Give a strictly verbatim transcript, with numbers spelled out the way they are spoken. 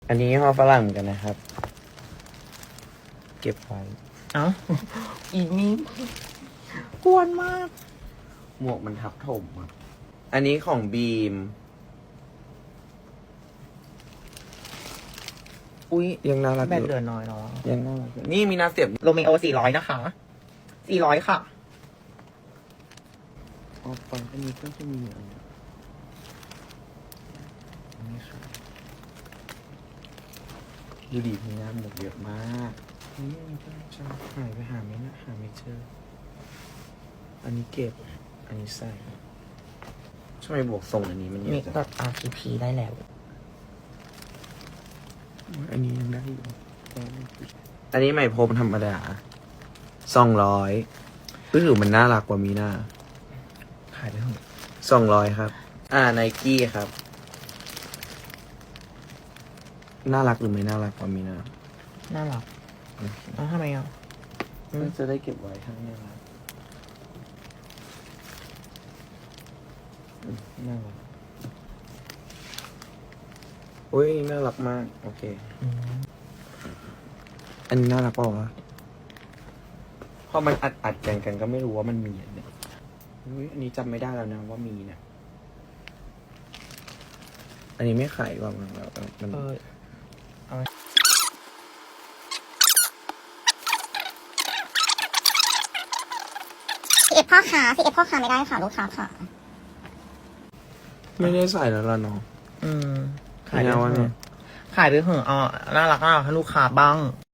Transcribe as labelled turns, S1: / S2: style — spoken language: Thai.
S1: อันนี้ห่อฝรั่งเหมือนกันนะครับ เก็บไว้
S2: เอ้า อีกนี้กวนมาก
S1: หมวกมันทับถมอ่ะ อันนี้ของบีม
S2: อุ้ย
S1: ยังน่ารัก
S2: แบ
S1: อ
S2: ต
S1: ยู่
S2: เหลือน้อยเนาะ
S1: ยังน่ารักอยู่นี่มีนาเสียบ
S2: โรเมโอสี่ร้อยนะคะ สี่ร้อยค่ะ
S1: ออกไปอันนี้ก็จะมีอันนี้นี่ค่ะดูดีมีงานหมวกเยอะมากนี่อันนี้ก็จะหายไปหาไม่นะหาไม่เจอ อันนี้เก็บ อันนี้ใส่ทำไมบวกทรงอันนี้มันเย
S2: มี
S1: อะจัง
S2: แบบ อาร์ ที พี ได้แล้ว
S1: อันนี้ยังได้อยู่อันนี้ไหมพรมธรรมดาสองร้อยรู้สึกมันน่ารักกว่ามีหน้า
S2: ขายไปเถอะ
S1: สองร้อยครับ อ่าไนกี้ครับ น่ารักหรือไม่น่ารักกว่ามีหน้า
S2: น่ารักเอ้าทำไมอ่ะ
S1: น่าจะได้เก็บไว้ข้างหน้าอืมน่ารักอุ้ยน่ารักมาก โอเค
S2: อืม
S1: อันนี้น่ารักเปล่าวะพอมันอัดอัดกันกันก็ไม่รู้ว่ามันมีอันเนี้ยอุ้ยอันนี้จำไม่ได้แล้วนะว่ามีเนี่ย อันนี้ไม่ขายกว่ามันแล้วมัน
S2: เออ
S3: ซีเอฟพ่อค้าซีเอฟพ่อค้าไม่ได้ค่ะลูกค้าค่ะ
S1: ไม่ได้ใส่แล้วล่ะเนาะ
S2: อืม ขายไป
S1: ไม่เอา
S2: เถ
S1: เนี่
S2: อะ
S1: ย
S2: ขายไปเถอะอ่ะน่ารักน่ารักให้ลูกค้าบ้าง